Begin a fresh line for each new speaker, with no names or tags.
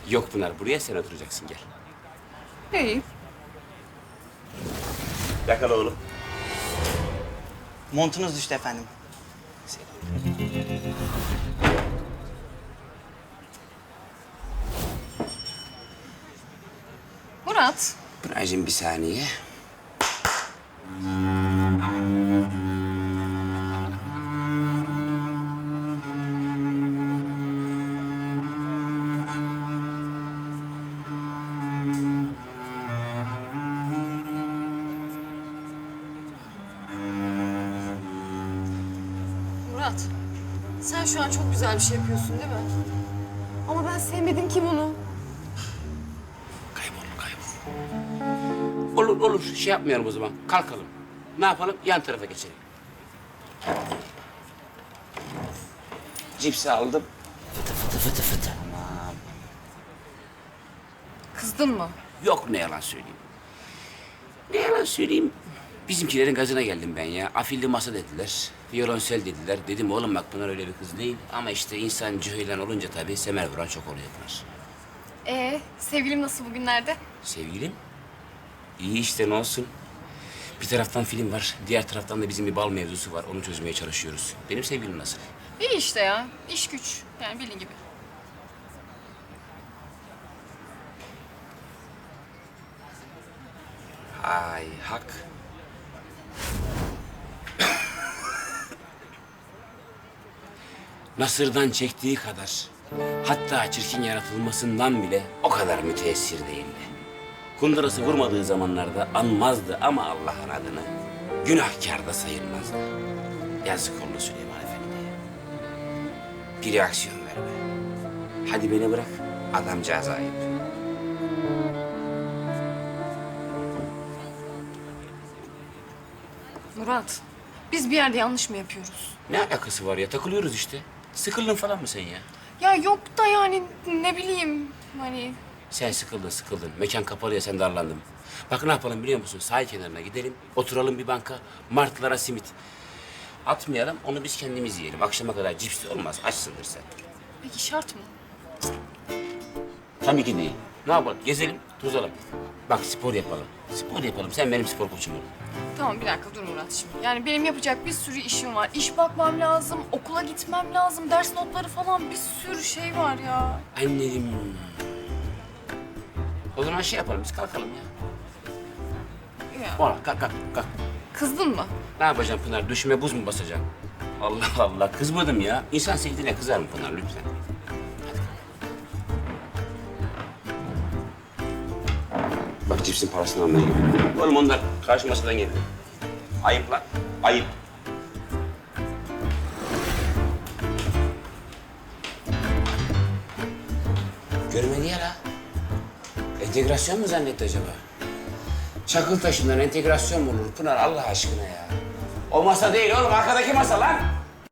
Yok Pınar, buraya sen oturacaksın, gel.
İyi.
Yakala oğlum.
Montunuz düştü efendim.
Murat,
Pınar'cığım bir saniye.
Murat. Sen şu an çok güzel bir şey yapıyorsun değil mi? Ama ben sevmedim ki bunu.
Kaybol. Olur. Şey yapmayalım o zaman. Kalkalım. Ne yapalım? Yan tarafa geçelim. Cipsi aldım. Fıtı. Tamam.
Kızdın mı?
Yok, ne yalan söyleyeyim. Ne yalan söyleyeyim. Bizimkilerin gazına geldim ben ya. Afilli masa dediler. Violonsel dediler. Dedim oğlum bak Pınar öyle bir kız değil. Ama işte insan cüheylan olunca tabii semer vuran çok oluyor Pınar.
Sevgilim nasıl bugünlerde?
Sevgilim? İyi işte, ne olsun. Bir taraftan film var, diğer taraftan da bizim bir bal mevzusu var. Onu çözmeye çalışıyoruz. Benim sevgilim nasıl?
İyi işte ya. İş güç. Yani bildiğin gibi.
Ay hak. Nasır'dan çektiği kadar, hatta çirkin yaratılmasından bile o kadar müteessir değildi. Kundurası vurmadığı zamanlarda anmazdı ama Allah'ın adını günahkar da sayılmazdı. Yazık oldu Süleyman Efendi'ye. Bir reaksiyon verme. Hadi beni bırak, adamcağız ayıp.
Murat, biz bir yerde yanlış mı yapıyoruz?
Ne alakası var ya? Takılıyoruz işte. Sıkıldın falan mı sen ya?
Ya yok da yani ne bileyim hani...
Sen sıkıldın. Mekan kapalı ya, sen darlandın. Bak ne yapalım biliyor musun? Sahil kenarına gidelim, oturalım bir banka, martılara simit. Atmayalım, onu biz kendimiz yiyelim. Akşama kadar cips de olmaz, açsındır sen.
Peki şart mı?
Tabii ki değil. Ne yapalım? Gezelim, tozalım. Bak spor yapalım. Sen benim spor koçum ol.
Tamam bir dakika dur Murat şimdi. Yani benim yapacak bir sürü işim var. İş bakmam lazım, okula gitmem lazım, ders notları falan bir sürü şey var ya.
Annem. O zaman şey yapalım, biz kalkalım ya.
Ya
Ola, kalk.
kızdın mı?
Ne yapacağım Pınar? Düşüme buz mu basacağım? Allah Allah, kızmadım ya. İnsan sevdiğine kızar mı Pınar lütfen? Bak cipsin parasını almaya gidiyorum. Oğlum onlar karşı masadan geldi. Ayıp lan, ayıp. Görmedi ya la. Entegrasyon mu zannetti acaba? Çakıl taşından entegrasyon mu olur Pınar Allah aşkına ya? O masa değil oğlum, arkadaki masa lan.